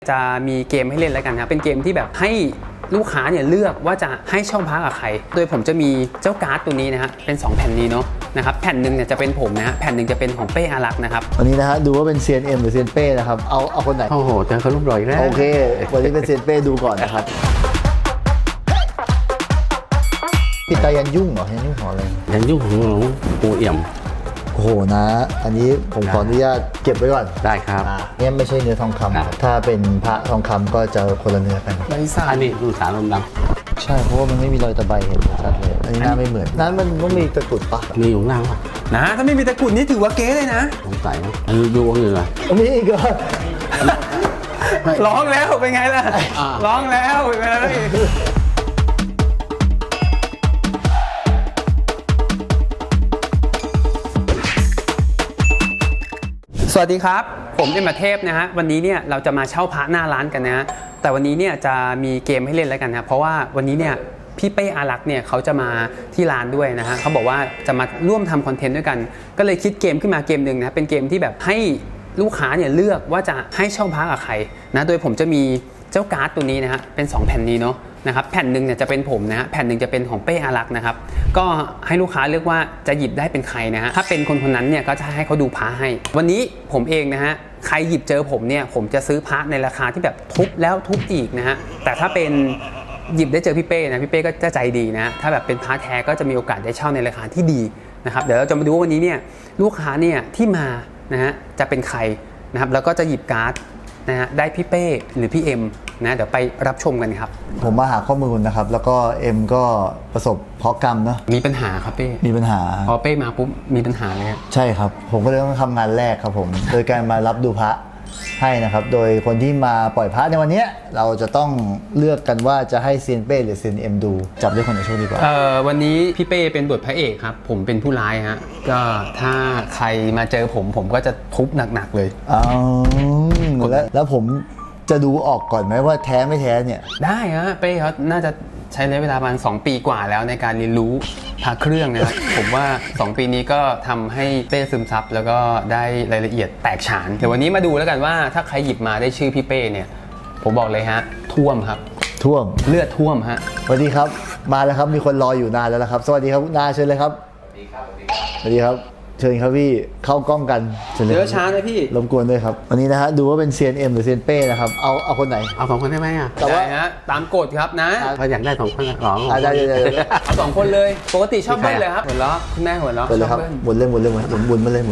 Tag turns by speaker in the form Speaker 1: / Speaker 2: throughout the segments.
Speaker 1: จะมีเกมให้เล่นแล้วกันครับเป็นเกมที่แบบให้ลูกค้าเนี่ยเลือกว่าจะให้ช่องพักกับใครโดยผมจะมีเจ้าการ์ดตัวนี้นะฮะเป็น2แผ่นนี้เนาะนะครับแผ่นหนึ่งเนี่ยจะเป็นผมนะฮะแผ่นหนึ่งจะเป็นของเป้อารักษ์นะครับ
Speaker 2: วันนี้นะฮะดูว่าเป็นเซียนเอ็มหรือเซียนเป้นะครับเอาคนไหน
Speaker 3: โอ้โหเจอเขารูปรอยแล้ว
Speaker 2: โอเควันนี้เป็นเซียนเป้ดูก่อนนะครับพี่ตายันยุ่งเหรอยันยุ่งของอะไร
Speaker 3: ยันยุ่งของหลวงปู่เอี่ยม
Speaker 2: โอ้โหนะอันนี้ผมขออนุญาตเก็บไว้ก่อน
Speaker 3: ได้ครับ
Speaker 2: เนี่ยไม่ใช่เนื้อทองคำถ้าเป็นพระทองคำก็จะคนละเนื้อกัน
Speaker 1: ใบสั่น
Speaker 3: อันนี้ดูสารลมด
Speaker 2: ำใช่เพราะว่ามันไม่มีรอยตะไบเห็นชัดเลยอันนี้หน้าไม่เหมือนนั้นมันต้องมีตะกรุดปะ
Speaker 3: มีอยู่ล่างปะ
Speaker 1: นะถ้าไม่มีตะกรุดนี่ถือว่าเก๊เลยนะ
Speaker 3: สงสัยนะอันนี้ดูว่าเงือ
Speaker 2: มีอีกเหรอ
Speaker 1: ร้องแล้วเป็นไงล่ะร้องแล้วเลยสวัสดีครับผมเอ็มเทพนะฮะวันนี้เนี่ยเราจะมาเช่าพระหน้าร้านกันนะฮะแต่วันนี้เนี่ยจะมีเกมให้เล่นแล้วกันนะเพราะว่าวันนี้เนี่ยพี่เป้อารักษ์เนี่ยเขาจะมาที่ร้านด้วยนะฮะเขาบอกว่าจะมาร่วมทำคอนเทนต์ด้วยกันก็เลยคิดเกมขึ้นมาเกมหนึ่งนะเป็นเกมที่แบบให้ลูกค้าเนี่ยเลือกว่าจะให้เช่าพระกับใครนะโดยผมจะมีเจ้าการ์ดตัวนี้นะฮะเป็น2แผ่นนี้เนาะนะครับแผ่นหนึ่งเนี่ยจะเป็นผมนะฮะแผ่นหนึ่งจะเป็นของเป้อารักษ์นะครับก็ให้ลูกค้าเลือกว่าจะหยิบได้เป็นใครนะฮะถ้าเป็นคนนั้นเนี่ยก็จะให้เขาดูพระให้วันนี้ผมเองนะฮะใครหยิบเจอผมเนี่ยผมจะซื้อพระในราคาที่แบบทุบแล้วทุบอีกนะฮะแต่ถ้าเป็นหยิบได้เจอพี่เป้นะพี่เป้ก็จะใจดีนะถ้าแบบเป็นพระแท้ก็จะมีโอกาสได้เช่าในราคาที่ดีนะครับเดี๋ยวเราจะมาดูว่าวันนี้เนี่ยลูกค้าเนี่ยที่มานะฮะจะเป็นใครนะครับแล้วก็จะหยิบการ์ดนะฮะได้พี่เป้หรือพี่เอ็มนะเดี๋ยวไปรับชมกันครับ
Speaker 2: ผมมาหาข้อมูลนะครับแล้วก็เอ็มก็ประสบเคราะห์กรรมเนาะ
Speaker 1: มีปัญหาครับเป้
Speaker 2: มีปัญหา
Speaker 1: พอเป้มาปุ๊บมีปัญหาเลย
Speaker 2: ใช่ครับผมก็เลยต้องทำงานแรกครับผมโดยการมารับดูพระให้นะครับโดยคนที่มาปล่อยพระในวันนี้เราจะต้องเลือกกันว่าจะให้เซียนเป้หรือเซียนเอ็มดูจับด้วยคนไหนโชคดีกว่า
Speaker 1: วันนี้พี่เป้เป็นบทพระเอกครับผมเป็นผู้ร้ายฮะก็ถ้าใครมาเจอผมก็จะทุบหนักๆเลย
Speaker 2: แล้วผมจะดูออกก่อนไหมว่าแท้ไม่แท้เนี่ย
Speaker 1: ได้ฮะเป้เขาน่าจะใช้ระยะเวลาประมาณ2 ปีกว่าแล้วในการเรียนรู้พระเครื่องนะครับ ผมว่า2 ปีนี้ก็ทำให้เป้ซึมซับแล้วก็ได้รายละเอียดแตกฉานเดี๋ยววันนี้มาดูแล้วกันว่าถ้าใครหยิบมาได้ชื่อพี่เป้เนี่ยผมบอกเลยฮะท่วมครับ
Speaker 2: ท่วม
Speaker 1: เลือดท่วมฮะ
Speaker 2: สวัสดีครับมาแล้วครับมีคนรออยู่นานแล้วครับสวัสดีครับนาเชิญเลยครับสวัสดีครับสวัสดีครับเชิญครับพี่เข้ากล้องกัน
Speaker 1: เดี๋ยวช้านะพี่
Speaker 2: รบกวนด้วยครับวันนี้นะฮะดูว่าเป็นเซียนเอ็มหรือเซียนเป้นะครับเอาคนไหน
Speaker 3: เอา2 คนได้ไหมอ่ะ
Speaker 1: แต่ว่าฮะตามกฎครับนะ
Speaker 3: เขาอยากได้2 คน
Speaker 2: ได้
Speaker 1: เอา2 คนเลยปกติชอบเบิ้ลเลยครับหัวเราะคุณแม่หัวเราะ
Speaker 2: ชอบเบิ้ลหมุนมาเลยหมุนมาเลย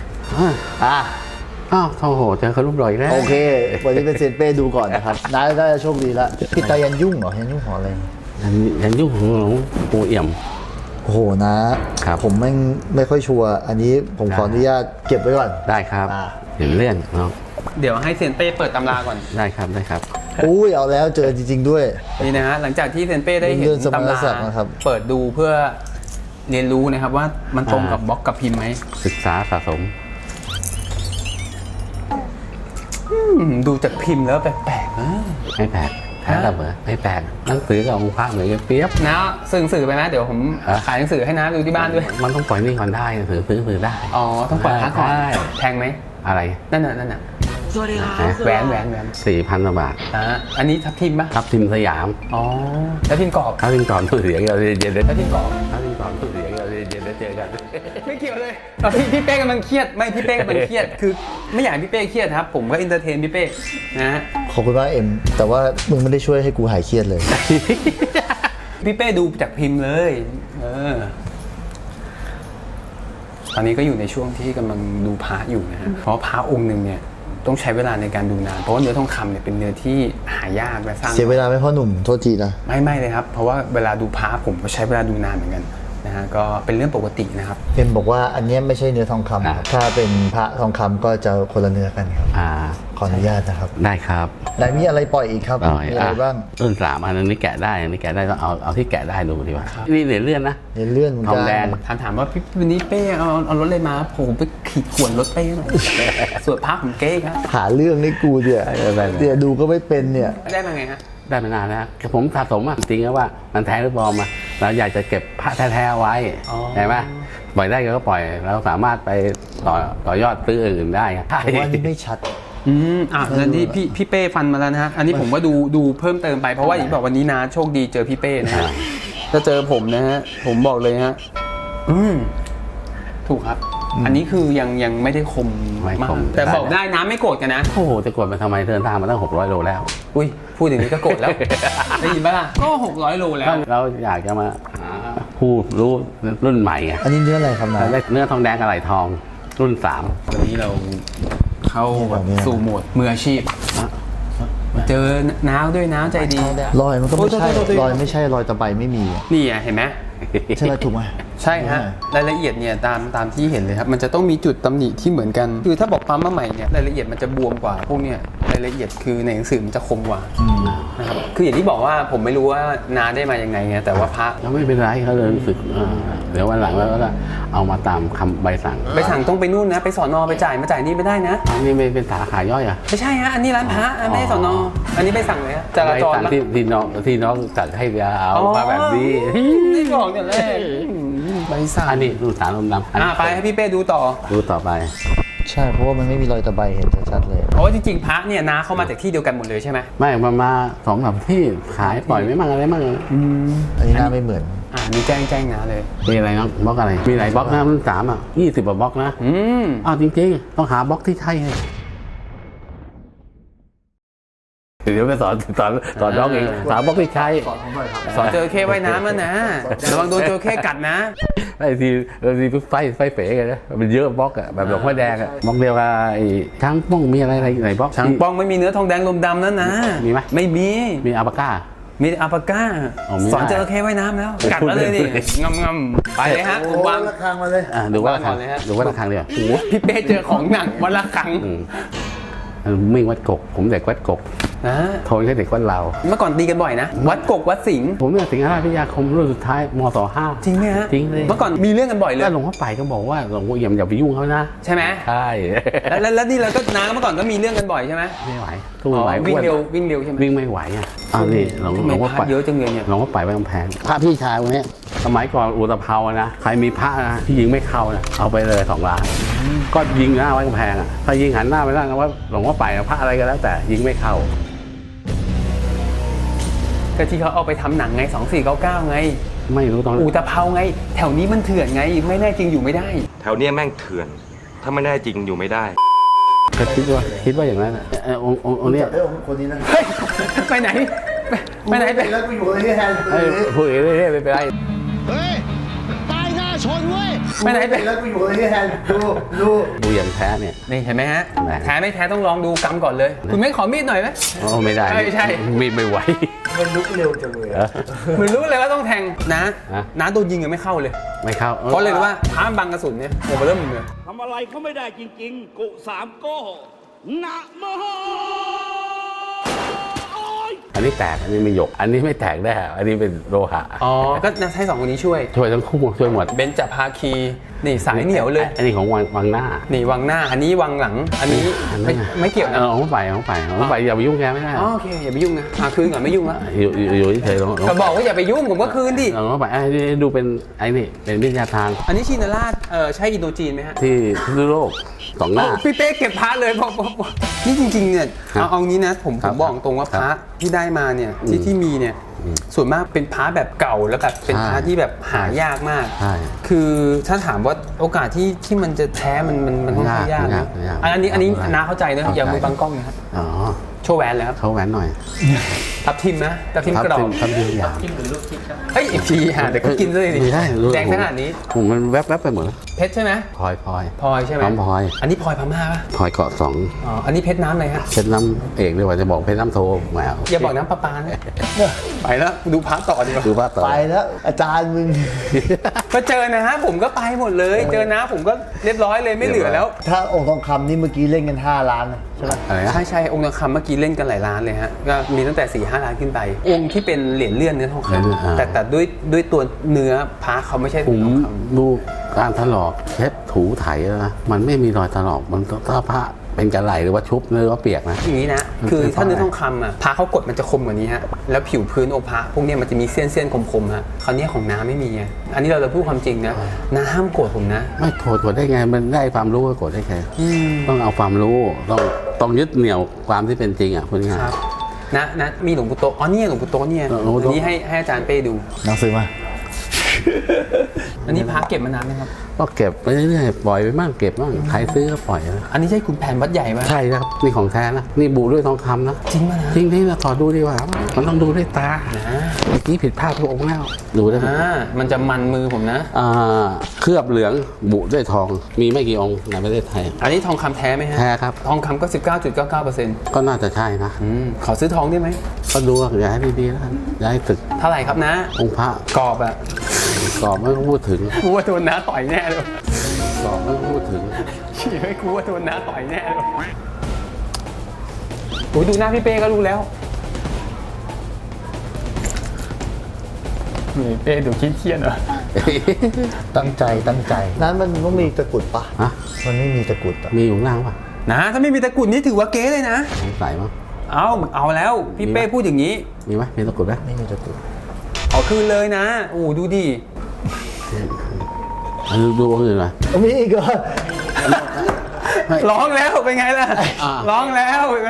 Speaker 3: อ้าวโอ้โหเจอเขารูปรอยแล้ว
Speaker 2: โอเควันนี้เป็นเซียนเป้ดูก่อนนะครับได้โชคดีแล้วพี่ตายันยุ่งเหรอยันยุ่งของอะไร
Speaker 3: ยันยุ่งของหลวงปู่เอี่ยม
Speaker 2: โอ้โหนะผมไม่ค่อยชัวร์อันนี้ผมขออนุญาตเก็บไว้ก่อน
Speaker 3: ได้ครับเห็นเลื่อนเนาะ
Speaker 1: เดี๋ยวให้เซียนเป้เปิดตำราก่อน
Speaker 3: ได้ครับ
Speaker 2: อุ้ยเอาแล้วเจอจริงๆด้วย
Speaker 1: นี่นะฮะหลังจากที่เซียนเป้ได้เห็นตำราเปิดดูเพื่อเรียนรู้นะครับว่ามันตรงกับบล็อกกับพิมพ์ไหม
Speaker 3: ศึกษาสะสม
Speaker 1: ดูจากพิมพ์แล้วแปลกๆนะ
Speaker 3: ไม่แปลกแพ้เหรอไม่แปลกหนังสือกับองค์พระเหมือนกันเปียบ
Speaker 1: นะซื้อหนังสือไปไหมเดี๋ยวผมขายหนังสือให้นะดูที่บ้านด้วย
Speaker 3: มันต้องปล่อยนี่ก่อนได้หนังสือซื้อได้
Speaker 1: อ๋อต้องปล่อยพระก่อนแพงไหม
Speaker 3: อะไร
Speaker 1: นั่นน่ะสวัสดีครับแหวน
Speaker 3: 4,000 กว่าบาท
Speaker 1: อันนี้ทับทิมปะ
Speaker 3: ทับทิมสยาม
Speaker 1: อ๋อทับทิมกรอบ
Speaker 3: ตู้เสียงเราเย็น
Speaker 1: ทับทิมกรอบ
Speaker 3: ตู้เสียงเราเย็นเจอกัน
Speaker 1: ไม่เกี่ยวเลยพี่เป้กำลังเครียดไม่พี่เป้กำลังเครียดคือไม่อยากให้พี่เป้เครียดครับผมก็อินเตอร์เทนพี่เป้นะ
Speaker 2: ขอบคุณมากเอ็มแต่ว่ามึงไม่ได้ช่วยให้กูหายเครียดเลย
Speaker 1: พี่เป้ดูจากพิมพ์เลยตอนนี้ก็อยู่ในช่วงที่กำลังดูพระอยู่นะฮะเพราะพระองค์หนึ่งเนี่ยต้องใช้เวลาในการดูนานเพราะว่าเนื้อทองคำเนี่ยเป็นเนื้อที่หายากและสร้าง
Speaker 2: เสียเวลาไหมพ่อหนุ่มโทษทีนะ
Speaker 1: ไม่เลยครับเพราะว่าเวลาดูพระผมก็ใช้เวลาดูนานเหมือนกันนะฮะก็เป็นเรื่องปกตินะครับ
Speaker 2: เอ็มบอกว่าอันนี้ไม่ใช่เนื้อทองคำถ้าเป็นพระทองคำก็จะคนละเนื้อกันครับขออนุญาตนะครับ
Speaker 3: ได้ครับ
Speaker 2: แล้วมีอะไรปล่อยอีกครับมีอะไรบ้าง
Speaker 3: ต้น3อันนี้แกะได้ต้องเอาที่แกะได้ดูดีกว่านี่เหรียญเลื่อนนะ
Speaker 2: เหรียญเลื่อน
Speaker 3: ทองแดง
Speaker 1: ถามว่าพี่วันนี้เป้เอารถเลยมาผมไปขีดข่วนรถเป้หน่อยส่วนพระผมเก้ครับ
Speaker 2: หาเรื่องนี่กูเดี๋ยวดูก็ไม่เป็นเนี่ย
Speaker 1: ได้มาไงฮะ
Speaker 3: ได้มานานแล้วผมสะสมจริงๆว่ามันแท้หรือปลอมมาเราอยากจะเก็บพระแท้ๆไว้ใช่ไหมปล่อยได้ก็ปล่อยเราสามารถไปต่อยอดซื้ออื่นได้
Speaker 2: ผมว่านี่ไม่ชัด
Speaker 1: แล้วนี่พี่เป้ฟันมาแล้วนะฮะอันนี้ผมก็ดูเพิ่มเติมไปเพราะว่าอย่างที่บอกวันนี้นะโชคดีเจอพี่เป้นะฮะจะเจอผมนะฮะผมบอกเลยฮะถูกครับอันนี้คือยังไม่ได้คมมากแต่บอกได้นะไม่โกรธกันนะ
Speaker 3: โอ้โหจะกดมาทำไมเดินทางมาตั้ง600 โลแล้ว
Speaker 1: อุ้ยพูดอย่างนี้ก็โกรธแล้ว ได้ยินปะล่ะก็600 โลแล้ว
Speaker 3: เราอยากจะมาผู้รู้รุ่นใหม่ไง
Speaker 2: อันนี้เนื้ออะไรครับนะ
Speaker 3: ได้เนื้อทองแดงกับไหลทองรุ่น
Speaker 1: วันนี้เราเข้าสู่โหมดมืออาชีพเจอน้าวด้วยน้าวใจดี
Speaker 2: รอยมันก็ไม่ใช่
Speaker 1: โทษ
Speaker 2: รอยไม่ใช่รอยตะไบไม่มี
Speaker 1: นี่อ่ะเห็นไหม
Speaker 2: ใช่ไหมถูกไหม
Speaker 1: ใช่ฮะรายละเอียดเนี่ยตามที่เห็นเลยครับมันจะต้องมีจุดตำหนิที่เหมือนกันคือถ้าบอกปั๊มมาใหม่เนี่ยรายละเอียดมันจะบวมกว่าพวกเนี่ยรายละเอียดคือในหนังสือมันจะคมกว่านะครับคืออย่างที่บอกว่าผมไม่รู้ว่านาได้มายังไงไงแต่ว่าพระ
Speaker 3: แล้วไม่เป็นไรเขาเลยรู้สึกเดี๋ยววันหลังเราก็เอามาตามคำใบสั่ง
Speaker 1: ไปสั่งต้องไปนู่นนะไปสอนอไปจ่ายมาจ่ายนี่ไม่ได้นะ
Speaker 3: อันนี้ไม่เป็นสาขาย่อยอ่ะ
Speaker 1: ไม่ใช่ฮะอันนี้ร้านพระไม่ใช่สอนออันนี้ไปสั่งเลยฮะจรา
Speaker 3: ใบ
Speaker 1: จร
Speaker 3: สั่งที่น้องจัดให้เอามาแบบนี้
Speaker 1: ไม่บอกแต่แรกใบสั่ง
Speaker 3: อันนี้รุ่น3รุ่นดำ
Speaker 1: ไปให้พี่เป้ดูต่อ
Speaker 3: ดูต่อไป
Speaker 2: ใช่เพราะว่ามันไม่มีรอยตะไบเห็นชัดๆเลย
Speaker 1: เพราะว่าจริงๆพระเนี่ยนาเข้ามาจากที่เดียวกันหมดเลยใช่ไหม
Speaker 3: ไม่มา2-3ที่ขายปล่อยไม่มั่งอะไรมั่ง
Speaker 2: อันนี้หน้าไม่เหมือน
Speaker 1: นี่แจ้งนะเลย
Speaker 3: มีอะไรน้องบล็อกอะไรมีหลายบล็อกนะรุ่น320 กว่าบล็อกนะจริงๆต้องหาบล็อกที่ใช่ให้เดี๋ยวไปสอนน้องเองสาวบล็อกที่ใช้
Speaker 1: สอนเจอเข้ว่ายน้ำแล้วนะระวังโดนเจอเข้กัดนะ
Speaker 3: ไอ้ทีไฟเป๋กันนะมันเยอะบล็อกอะแบบหลวงพ่อแดงอะบล็อกเดียวกับไอ้ช้างป้องมีอะไรไหนบล็อก
Speaker 1: ช่างป้องไม่มีเนื้อทองแดงลมดำนั่นนะ
Speaker 3: มีไหม
Speaker 1: ไม่มี
Speaker 3: มีอัลปาก้า
Speaker 1: มีอัลปาก้า
Speaker 3: มีได้
Speaker 1: สอนเจอเข้ว่ายน้ำแล้วกัดแล้วเลยดิงำไปเลยฮะผมวาง
Speaker 2: ระฆังมาเลย
Speaker 3: ดูว่าระฆัง
Speaker 1: วางก่อนเลยฮะ
Speaker 3: ดูว่าระฆังเดียว
Speaker 1: โอ้โหพี่เป้เจอของหนักวันละครั้ง
Speaker 3: มิ่งวัดกกผมเด็กวัดกกโทนแค่เด็กวัดเรา
Speaker 1: เมื่อก่อนตีกันบ่อยนะวัดกกวัดสิงห์
Speaker 3: ผมเนี่ยสิงหราชพิทยาคมรุ่นสุดท้ายมศ5
Speaker 1: จริงไหมฮะ
Speaker 3: จริงเลย
Speaker 1: เมื่อก่อนมีเรื่องกันบ่อยเลย
Speaker 3: แล้วหลวงพ่อไปก็บอกว่าหลวงพ่อเอี่ยมอย่าไปยุ่งเขานะ
Speaker 1: ใช่ไหม
Speaker 3: ใช่
Speaker 1: แล้วนี่เราก็น้าเมื่อก่อนก็มีเรื่องกันบ่อยใช่ไหม
Speaker 3: ไม่ไหวสู้ไม่ไหว
Speaker 1: วิ่ง
Speaker 3: อ้น
Speaker 1: เร็วใช่ไหม
Speaker 3: วิ่งไม่ไหวอ่ะนี่หลวง
Speaker 1: ทำไม
Speaker 3: พ่อ
Speaker 1: พ
Speaker 3: ไป
Speaker 1: ระเยอะจังเลยเนี่ย
Speaker 3: หลวงพ่อไปไว้กำแพงพระพี่ชายคนนี้สมัยก่อนอุตภาวนะใครมีพระนะที่ยิงไม่เข้านะเอาไปเลย2 ล้านก็ยิงหน้าไว้กำแพงอ่ะถ้ายิงหันหน้าไปแล้วนะว่าหลวงพ่อไปพระอะไรก็แล้วแต่ยิงไม่เข้า
Speaker 1: ก็ที่เขาเอาไปทำหนังไง2499ไง
Speaker 3: ไม่รู้ตอน
Speaker 1: อู่ตะเภาไง แถวนี้มันเถื่อนไงไม่แน่จริงอยู่ไม่ได้
Speaker 4: แถวเนี้ยแม่งเถื่อน ถ้าไม่ได้จริงอยู่ไม่ได้
Speaker 3: ก็คิดว่าอย่างนั้นนะองค์เนี้ย
Speaker 2: คนนี้นะ
Speaker 1: เฮ้ยไปไหนไปไหนไป
Speaker 2: แล้วกูอยู่ที่แทน
Speaker 3: พูดเรื่อยๆไม่เป็นไร
Speaker 5: เฮ้ยป้ายหน้าชนเว้ย
Speaker 1: ไปไหนไป
Speaker 2: แล้วกูอยู่ที่แทนดู
Speaker 3: ดูอย่างแท้เนี่ย
Speaker 1: นี่เห็นไหมฮะ
Speaker 3: ไหน
Speaker 1: แท้ไม่แท้ต้องลองดูกำก่อนเลย คุณไม่ขอมีดหน่อยไหม
Speaker 3: ไม่ได้
Speaker 1: ไม่ใช่
Speaker 3: มีดไม่ไหว
Speaker 2: มันลุกเร็วจังเลย
Speaker 1: เหมือนรู้เลยว่าต้องแทงนะ
Speaker 3: ฮะ
Speaker 1: น้าโดนยิงยังไม่เข้าเลย
Speaker 3: ไม่เข้า
Speaker 1: เพราะเลยรู้ว่าท้ามบังกระสุนเนี่ยโอ้โหเริ่มเลย
Speaker 5: ทำอะไรเขาไม่ได้จริงๆ กุสามโก้นะโมโอ้ย
Speaker 3: อันนี้แตกอันนี้ไม่หยก อันนี้ไม่แตกได้อันนี้เป็นโลหะ
Speaker 1: อ๋อก็ให้2คนนี้ช่วย
Speaker 3: ช่วยทั้งคู่ช่วยหมด
Speaker 1: เบญจภาคีนี่สายเหนียวเลย
Speaker 3: อันนี้ของวังหน้า
Speaker 1: นี่วังหน้าอันนี้วังหลังอันนี้ไม่เกี่ยวนะ
Speaker 3: ของไปอย่าไปยุ่งแกไม่ได้
Speaker 1: อ๋อโอเคอย่าไปยุ่งนะคืนก่อนไม่ยุ่งละ
Speaker 3: อยู่เฉยๆลอง
Speaker 1: ก็บอกว่าอย่าไปยุ่งผมก็คืนดิ
Speaker 3: ลองไปดูเป็นไอ้นี่เป็นวิทยาทาง
Speaker 1: อันนี้ชินราชใช่อินโดจีนไหมฮะ
Speaker 3: ที่พิษณุโลก2 หน้า
Speaker 1: พี่เป้เก็บพระเลยบอกนี่จริงๆเนี่ย
Speaker 3: ครับ
Speaker 1: เอางี้นะผม
Speaker 3: ครับ
Speaker 1: บอกตรงว่าพระที่ได้มาเนี่ยที่มีเนี่ยส่วนมากเป็นพระแบบเก่าแล้วแบบเป็นพระที่แบบหายากมาก
Speaker 3: ใช่
Speaker 1: คือถ้าถามว่าโอกาสที่มันจะแท้มันค่อนข้างยากนะ
Speaker 3: ยาก
Speaker 1: อันนี้
Speaker 3: ยาก
Speaker 1: น้าเข้าใจนะ
Speaker 3: เข้าใจ
Speaker 1: อย่ามือบังกล้องนะครับ
Speaker 3: อ๋อ
Speaker 1: โชว์แหวนเลยครับ
Speaker 3: เขาแหวนหน่อย
Speaker 1: ทับทิมนะทับทิมกรอบ
Speaker 3: ทับทิมอย่าง
Speaker 1: เฮ้ยอีกทีฮะเดี๋ยวก็กินเลยดิ
Speaker 3: ไม่ได้
Speaker 1: แดงขนาดนี้
Speaker 3: ผมมันแวบๆไปหมดแล้ว
Speaker 1: เพชรใช่ไหม
Speaker 3: พลอย
Speaker 1: พลอยใช่ไหม
Speaker 3: น้องพลอย
Speaker 1: อันนี้พลอยพม่าป่ะ
Speaker 3: พลอยเกาะ2
Speaker 1: อ๋ออันนี้เพชรน้ำอะไรฮะ
Speaker 3: เพชรน้ำเอกเลยว่าจะบอกเพชรน้ำโทแหม
Speaker 1: อย่าบอกน้ำประปานะไปแล้วดูพระต่อดีกว่า
Speaker 3: ดูว่าต่อ
Speaker 2: ไปแล้วอาจารย์มึง
Speaker 1: ก็เจอนะฮะผมก็ไปหมดเลย เจอนะผมก็เรียบร้อยเลยไม่เหลือแล้ว
Speaker 2: ถ้าองค์ทองคำนี่เมื่อกี้เล่นกัน5 ล้านนะใช่ไหม
Speaker 3: อะไรนะ
Speaker 1: ใช่องค์ทองคำเมื่อกี้เล่นกันหลายล้านเลยฮะก็มีตั้งแต่4-5 ล้านขึ้นไป องค์ที่เป็นเหรียญเลื่อนเนื้อทองคำแต่ด้วยตัวเนื้อพระเขาไม่ใช่
Speaker 3: ผม
Speaker 1: ทองค
Speaker 3: ดูการถลอกเช็ดถูไถแล้วนะมันไม่มีรอยถลอกมันถ้าพระเป็นกระไหลหรือว่าชุบหรือว่าเปียกนะ
Speaker 1: ำอย่างนี้นะคือถ้าเนื้อทองคำอ่ะพระเขากดมันจะคมกว่านี้ฮะแล้วผิวพื้นองค์พระพวกเนี้ยมันจะมีเส้นคมๆฮะคราวนี้ของน้าไม่มีไงอันนี้เราจะพูดความจริงนะน้าห้ามโกรธผมนะ
Speaker 3: ไม่โกรธได้ไงมันได้ความรู้ก็โกรธได้ไงต้องเอาความรู้ต้องต้องยึดเหนี่ยวความที่เป็นจริงอ่ะพูดง่าย
Speaker 1: ครับนะมีหลวงปู่โตอ๋อเนี่ยหลวงปู่โตเนี่ย
Speaker 3: หลวงปู่โต
Speaker 1: อันนี้ให้อาจารย์เป้ดู
Speaker 2: หนังสือมา
Speaker 1: อันนี้พระเก็บมานานไหมครับ
Speaker 3: ก็เก็บไปเรื่อยๆปล่อยไปบ้างเก็บบ้างใครซื้อก็ปล่อยนะ
Speaker 1: อันนี้ใช่คุณแผนวัดใหญ่ไหม
Speaker 3: ใช่ครับนี่ของแท้นะนี่บุด้วยทองคำนะ
Speaker 1: จริงป่ะนะ
Speaker 3: จริงๆนะขอดูดีกว่ามันต้องดูด้วยตาเมื่อกี้ผิดพลาดทุกองค์แล้วดูได้ไหม
Speaker 1: มันจะมันมือผมนะ
Speaker 3: เคลือบเหลืองบุด้วยทองมีไม่กี่องค์ในประเทศไทย
Speaker 1: อันนี้ทองคำแท้ไหมฮะ
Speaker 3: แท้ครับ
Speaker 1: ทองคำก็ 19.99%
Speaker 3: ก็น่าจะใช่นะ
Speaker 1: ขอซื้อทองได้ไหม
Speaker 3: ก็ดูว่าอย่าให้ดีๆแล้วกันอย่าให้ตึก
Speaker 1: เท่าไหร่ครับนะ
Speaker 3: องค์พระ
Speaker 1: กรอบอะ
Speaker 3: กรอบไม่ต้องพูดถึง
Speaker 1: กูว่าโดนน้าต่อยแน่เลย
Speaker 3: กรอบไม่ต้องพูดถึง
Speaker 1: เชี่ยกูว่าโดนน้าต่อยแน่เลยโอ้ยดูหน้าพี่เป้ก็รู้แล้วนี่เป้ดูเครียดๆเหรอ
Speaker 2: ตั้งใจนั้นมันต้องมีตะกรุดปะ
Speaker 3: ฮะ
Speaker 2: มันไม่มีตะกรุดอะ
Speaker 3: มีอยู่ข้างล่างป่ะ
Speaker 1: นะถ้าไม่มีตะกรุดนี่ถือว่าเก๊เลยนะ
Speaker 3: สงสัยมั้ง
Speaker 1: เอาแล้วพี่เป้พูดอย่างนี้
Speaker 3: มีไหมมีตะกรุดไหม
Speaker 2: ไม่มีตะกรุด
Speaker 1: ขอคืนเลยนะโอ้ดูดิ
Speaker 3: ดูองค์อื่นหน่อย
Speaker 2: มีอีกเหรอ
Speaker 1: ร้องแล้วเป็นไงล่ะ
Speaker 3: อ่า
Speaker 1: ร้องแล้วเลย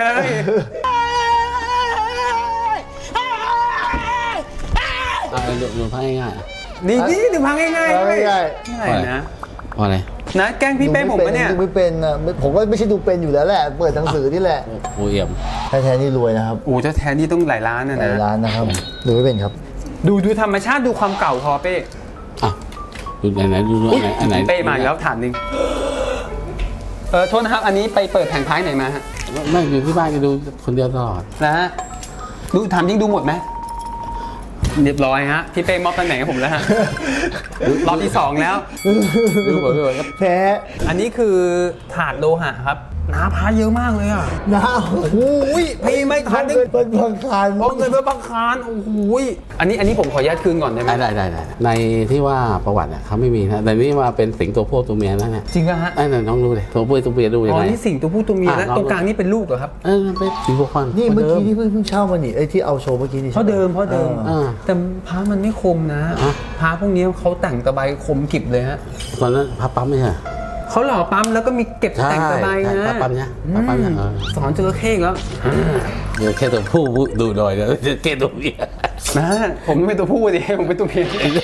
Speaker 3: ดูพระง่ายๆอ่ะ
Speaker 1: ดีดูพังง่ายๆ
Speaker 2: เอา
Speaker 1: เลย
Speaker 2: ง่าย
Speaker 1: ง่ายนะ
Speaker 3: เพราะอะไร
Speaker 1: นะแกล้ง
Speaker 2: ๆ
Speaker 1: พี่เป้ผมปะเนี่ย
Speaker 2: ดูไม่เป็นอะผมก็ไม่ใช่ดูเป็นอยู่แล้วแหละ เปิดหนังสือนี่แหละ
Speaker 3: โอเอี่ยม
Speaker 2: แท้ๆนี่รวยนะครับ
Speaker 1: โอ้เจ้าแทนนี่ต้องหลายล้านนะ
Speaker 2: หลาย
Speaker 1: นะ
Speaker 2: ร้านนะครับดูไม่เป็นครับ
Speaker 1: ดูธรรมชาติดูความเก่าพอเป้
Speaker 3: อ่ะดูไหนดูอันไหน
Speaker 1: เป้มาอีกแล้วถามหนึ่งโทษนะครับอันนี้ไปเปิดแผงท้ายไหนมาฮะ
Speaker 3: ไม่อยู่ที่บ้านก็ดูคนเดียวตลอด
Speaker 1: นะฮะดูถามจริงดูหมดไหมเรียบร้อยฮะพี่เป้มอบตำแหน่งให้ผมแล้วฮะรอบที่สองแล้ว
Speaker 3: ดูหมดเลยครับ
Speaker 2: แท้
Speaker 1: อันนี้คือถาดโลหะครับน้าพาเยอะมากเลยอ่ะ
Speaker 2: น้าโอ้ย
Speaker 1: พี่ไม่ทัน
Speaker 2: เงินเป็นพังคาร
Speaker 1: เอาเงินไปบังคารโอ้โหอันนี้ผมขออนุญาตคืนก่อนได้ไหม
Speaker 3: ได้ในที่ว่าประวัติเนี่ยเขาไม่มีนะแต่นี่ว่าเป็นสิงตัวผู้ตัวเมียนั่นแหละ
Speaker 1: จริงป่ะฮะ
Speaker 3: ไอ้นั่นน้องดูเลยตัวผู้ตัวเมียดูยัง
Speaker 1: อ๋อ
Speaker 3: ไง
Speaker 1: นี่สิ่งตัวผู้ตัวเมียแล้ว
Speaker 3: อ่ะ
Speaker 1: ตรงกลางนี่เป็นลูกเหรอครับ
Speaker 3: เป็นสีพวกฟัน
Speaker 2: นี่เมื่อกี้ที่เพิ่งเช่ามานี่ไอ้ที่เอาโชว์เมื่อกี้นี่
Speaker 1: เพราะเดิม
Speaker 3: อ่า
Speaker 1: แต่พระมันไม่คมนะ
Speaker 3: อ่ะ
Speaker 1: พระพวกนี้เขาแต่งตะไบคมกริบเลยฮะ
Speaker 3: ตอนนั้นพับปั๊มไม่ใช่
Speaker 1: เขาหล่อปั๊มแล้วก็มีเก็บ
Speaker 3: ใช่
Speaker 1: แต่งตะไบ
Speaker 3: ใช่
Speaker 1: นะ
Speaker 3: ปั๊มเนี่ยปั๊มเนี่ย
Speaker 1: สอนจระเข้อีกแล้ว
Speaker 3: เดี๋ยวแค่ตัวผู้ดูหน่อยเดี๋ยวแค่ตัวเมีย
Speaker 1: นะผมเป็นตัวผู้ดิผมเป็นตัวเมีย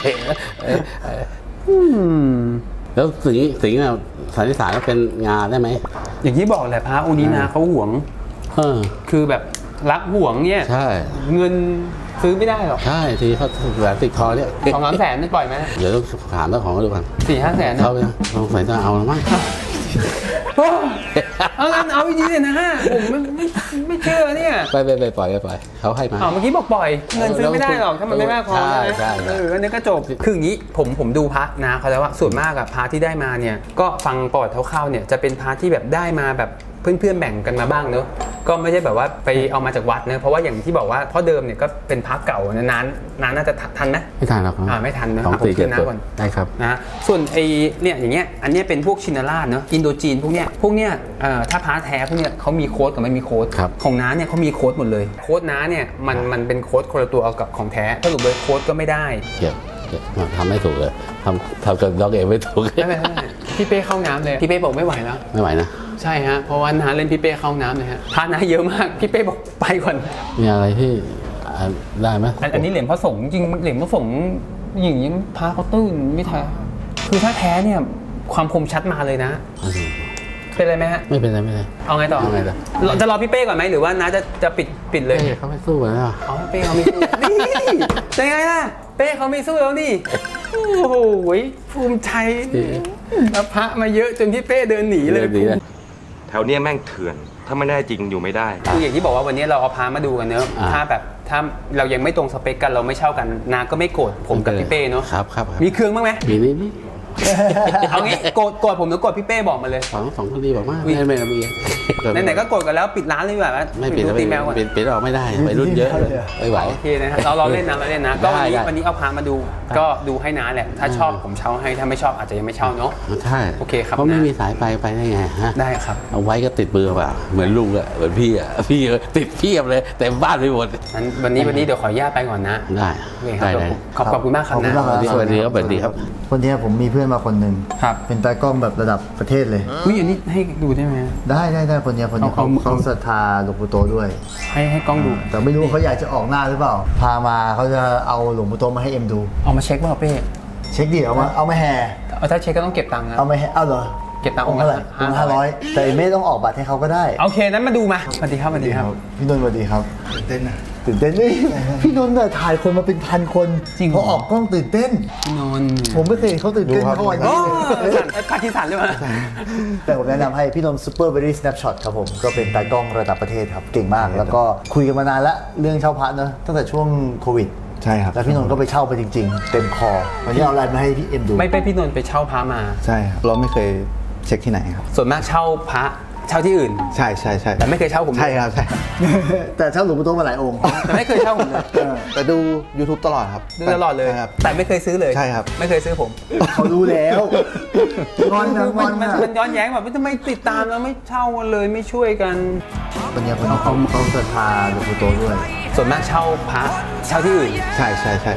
Speaker 3: แล้วสิงห์น่ะสันนิษฐานว่าเป็นงาได้ไหม
Speaker 1: อย่างที่บอกแหละพระองค์นี้นะเขาหวง คือแบบรักหวงเนี่ย
Speaker 3: ใช่
Speaker 1: เงินซื้อไม่ได้หรอก
Speaker 3: ใช่ทีเขาแหวนติดคอเนี่ย
Speaker 1: 2-3 แสนนี่ปล่อยไหม
Speaker 3: เดี๋ยวต้องถามเจ้าของเขาดูกัน
Speaker 1: 4-5 แสนนะ
Speaker 3: เขาเนี่ยสงสัยจะเอาแล้วมั้ง
Speaker 1: โอ้เอางั้นเอาจริงๆเลยนะฮะผมไม่เชื่อเนี่ย
Speaker 3: ไปปล่อยเขาให้มา
Speaker 1: เมื่อกี้บอกปล่อยเงินซื้อไม่ได้หรอกถ้ามันไม่มากพอ
Speaker 3: ใช่
Speaker 1: อันนี้ก็จบคืออย่างนี้ผมดูพระนะเขาแล้วว่าส่วนมากอะพระที่ได้มาเนี่ยก็ฟังประวัติคร่าวๆเนี่ยจะเป็นพระที่แบบได้มาแบบเพื่อนๆแบ่งกันมาบ้างเนอะก็ไม่ใช่แบบว่าไปเอามาจากวัดเนอะเพราะว่าอย่างที่บอกว่าพ่อเดิมเนี่ยก็เป็นพระเก่านะนานน่าจะทันไหม
Speaker 3: ไม่ทันหรอก
Speaker 1: ไม่ทันนะ
Speaker 3: สอง
Speaker 1: ผม
Speaker 3: สี่
Speaker 1: คื
Speaker 3: เจ็ด
Speaker 1: นน้า
Speaker 3: ตัว
Speaker 1: ก่อน
Speaker 3: ได้ครับ
Speaker 1: นะส่วนไอเนี่ยอย่างเงี้ยอันเนี้ยเป็นพวกชินราชเนอะอินโดจีนพวกเนี้ยถ้าพระแท้พวกเนี้ยเขามีโค้ดกับไม่มีโค้ด
Speaker 3: ครับ
Speaker 1: ของน้าเนี่ยเขามีโค้ดหมดเลยโค้ดน้าเนี่ยมันเป็นโค้ดคนละตัวเอากับของแท้สรุปเลยโค้ดก็ไม่ได้
Speaker 3: เก็บทำไม่ถูกเลยทำกับด็อกเองไม่ถูก
Speaker 1: ไม่เป็นไรพี่เป้เข้าน้ำเลยพี่เป้บอกไม่ไหวแล้ว
Speaker 3: ไม่ไหวนะ
Speaker 1: ใช่ฮะเพราะว่าน้าเล่นพี่เป้เข้าน้ำเลยฮะพระน้าเยอะมากพี่เป้บอกไปก่อน
Speaker 3: มีอะไรที่ได้ไหม
Speaker 1: อันนี้เหรียญพระสงฆ์จริงเหรียญพระสงฆ์อย่างนี้พระเขาตื้นไม่แท้คือถ้าแท้เนี่ยความคมชัดมาเลยนะเป็นไรไหมฮะ
Speaker 3: ไม่เป็นไร
Speaker 1: เอาไงต่อ
Speaker 3: เอาไงต่อ
Speaker 1: จะรอพี่เป้ก่อนไหมหรือว่าน้าจะปิดเลย
Speaker 3: เขาไม่สู้แล้ว
Speaker 1: อ๋อเป้เขาไม่สู้ นี่เป็นไงล่ะเป้เขาไม่สู้แล้วนี่โอ้โหภูมิใจแล้วพระมาเยอะจนพี่เป้เดินหนีเลย
Speaker 3: ดีเลย
Speaker 4: แถวเนี้ยแม่งเถื่อน ถ้าไม่ได้จริงอยู่ไม่ได้
Speaker 1: คืออย่างที่บอกว่าวันนี้เราเอาพามาดูกันเนอะ
Speaker 3: อ่า
Speaker 1: ถ้าเรายังไม่ตรงสเปคกันเราไม่เช่ากันนาก็ไม่โกรธผมกับพี่เป้เนอะ
Speaker 3: ครับ
Speaker 1: มีเครื่องบ้างไหม
Speaker 3: มีนี่
Speaker 1: เอางี้โกรธผมหรือโกรธพี่เป้บอกมาเลย
Speaker 3: สองคนดีบอกมากไม่มี
Speaker 1: ไหนๆก็โกรธกันแล้วปิดร้านเลยดีกว่า
Speaker 3: ไม่ปิด
Speaker 1: ดู
Speaker 3: แล้ว
Speaker 1: ตีแมวก่อน
Speaker 3: ปิดออกไม่ได้ไปรุ่นเยอะเลยไม่ไหว
Speaker 1: โอเคนะฮะเราเล่นนะก็วันนี้
Speaker 3: ได้
Speaker 1: วันนี้เอาพามาดูก็ดูให้น้าแหละถ้าชอบผมเช่าให้ถ้าไม่ชอบอาจจะยังไม่เช่าเนาะ
Speaker 3: ใช่
Speaker 1: โอเคครับ
Speaker 3: เพราะไม่
Speaker 1: นะ
Speaker 3: มีสายไปได้ไงฮะ
Speaker 1: ได้ครับ
Speaker 3: เอาไว้ก็ติดมือเปล่าเหมือนลุงอะเหมือนพี่อะพี่ติดเพียบเลยเต็มบ้านไปหมด
Speaker 1: งั้นวันนี้เดี๋ยวขออนุญาตไปก่อนนะ
Speaker 3: ได้
Speaker 1: โอเคครับขอบคุณมากครับนะ
Speaker 2: ขอบคุณมากครับ
Speaker 3: สวัสดีครับ
Speaker 2: วันนี้ผมมีเพื่อนอนมาคนหนึ่ง
Speaker 1: ครับ
Speaker 2: เป็นตากล้องแบบระดับประเทศเลย
Speaker 1: อุ้ยอันนี้ให้ดูได้ไหม
Speaker 2: ได้คนเนี้ย
Speaker 1: เอา
Speaker 2: เขาศรัทธาหลวงปู่โตด้วย
Speaker 1: ให้กล้องดู
Speaker 2: แต่ไม่รู้เขาอยากจะออกหน้าหรือเปล่า พามาเขาจะเอาหลวงปู่โตมาให้เอ็มดู
Speaker 1: เอามาเช็คว่าเป้
Speaker 2: เช็คดิเอามาแห่
Speaker 1: เอาถ้าเช็คก็ต้องเก็บตังค์นะ
Speaker 2: เอามาแห่เอาเหรอ
Speaker 1: เก็บตังค์
Speaker 2: องค์เท่าไหร่องค์500แต่ไม่ต้องออกบัตรให้เขาก็ได้
Speaker 1: โอเคนั้นมาดูมาสวัสดีครับสวัสดีครับ
Speaker 2: พี่นนท์สวัสดีครับตื่นเต้นนะตื่นเต้นนี่พี่นนท์เนี่ยถ่ายคนมาเป็นพันคน
Speaker 1: จริงเหรอ
Speaker 2: เขาออกกล้องตื่นเต้น
Speaker 1: พี่นนท์
Speaker 2: ผมไม่เคยเห็นเขาตื่นเต้นเท่าวัน
Speaker 1: โอ้
Speaker 2: นี้
Speaker 1: สั่นพาคิสันเลยมั้ย
Speaker 2: แต่ผมแนะนำให้พี่นนท์ Super Berry Snapshot ครับผมก็เป็นตากล้องระดับประเทศครับเก่งมาก แล้วก็คุยกันมานานแล้วเรื่องเช่าพระเนอะตั้งแต่ช่วงโควิด
Speaker 6: ใช่ครับ
Speaker 2: แล้วพี่นนท์ก็ไปเช่าไปจริงๆ เต็มคอวันนี้เอาอะไรมาให้พี่เอ็มดู
Speaker 1: ไม่ไปพี่นนท์ไปเช่าพระมา
Speaker 6: ใช่ครับเราไม่เคยเช็คที่ไหนครับ
Speaker 1: ส่วนมากเช่าพระเช่าที่อื่น
Speaker 6: ใช่ใช่ใช่
Speaker 1: แต่ไม่เคยเช่าผมเลย
Speaker 6: ใช่ครับใช่ครับ
Speaker 2: แต่เช่าหลวงปู่โตมาหลายองค์
Speaker 1: แต่ไม่เคยเช่าผมเลย
Speaker 6: แต่ดู YouTube ตลอดครับ
Speaker 1: ดูตลอดเลย
Speaker 6: ใช่ครับ
Speaker 1: แต่ไม่เคยซื้อเลย
Speaker 6: ใช่ครับ
Speaker 1: ไม่เคยซื้อผม
Speaker 2: เขารู้แล้วงอนนะ
Speaker 1: คือง
Speaker 2: อน
Speaker 1: มัน
Speaker 2: นะ
Speaker 1: มันย้อนแย้งแบบทำไมติดตามแล้วไม่เช่ากันเลยไม่ช่วยกัน
Speaker 2: วันนี้เขาศรัทธาหลวงปู่โตด้วย
Speaker 1: ส่วนมากเช่าพระเช่าที่อื่น
Speaker 6: ใช่ใช่ใช่